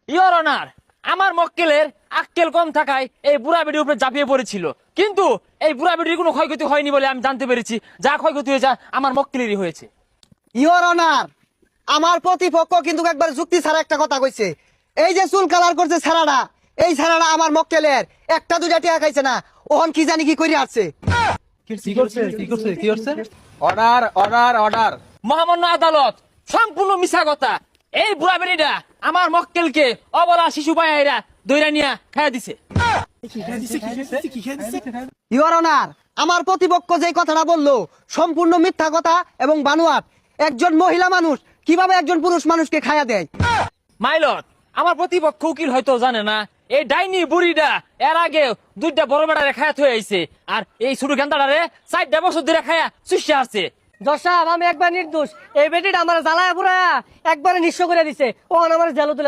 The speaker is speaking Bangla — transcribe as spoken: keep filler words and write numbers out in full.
ইওর অনার, আমার মক্কেলের আক্কেল কম থাকায় এই বুড়া বেটির উপরে ঝাঁপিয়ে পড়েছিল, কিন্তু এই বুড়া বেটির কোনো ক্ষয়ক্ষতি হয়নি বলে আমি জানতে পেরেছি। যা ক্ষয়ক্ষতি হয়েছে আমার মক্কেলেরই হয়েছে। ইওর অনার, আমার প্রতিপক্ষ কিন্তু একবার যুক্তি ছাড়া একটা কথা কইছে। এই যে চুল কালার করছে ছাড়াটা, এই ছাড়াটা আমার মক্কেলের একটা দুইটা টিয়া খাইছে না, ওহন কি জানি কি করে আসছে। কি করছে কি করছে কি করছে অর্ডার অর্ডার অর্ডার মহামান্য আদালত, সম্পূর্ণ মিছা কথা। এই বুড়া বেটিটা আমার মক্কেলকে অবলা শিশু পায়রা দইরা নিয়া খাইয়া দিছে। ইওর অনার, আমার প্রতিপক্ষ যে কথাটা বললো সম্পূর্ণ মিথ্যা কথা এবং বানোয়াট। একজন মহিলা মানুষ কিভাবে একজন পুরুষ মানুষকে খায়া দেয়? মাইলট, আমার প্রতিপক্ষ উকিল হয়তো জানে না, এই ডাইনি বুড়িটা এর আগে দুইটা বড় বেড়ারে খায়া থয়ে আইছে, আর এই ছোট গেন্দাটারে চারটা বছর ধরে খায়া চুষে আসছে। দশা আমি একবার নির্দোষ, এই বেটিটা আমার জ্বালায় পুরা একবারে নিঃস্ব করে দিছে, ও আমার জেল তুলে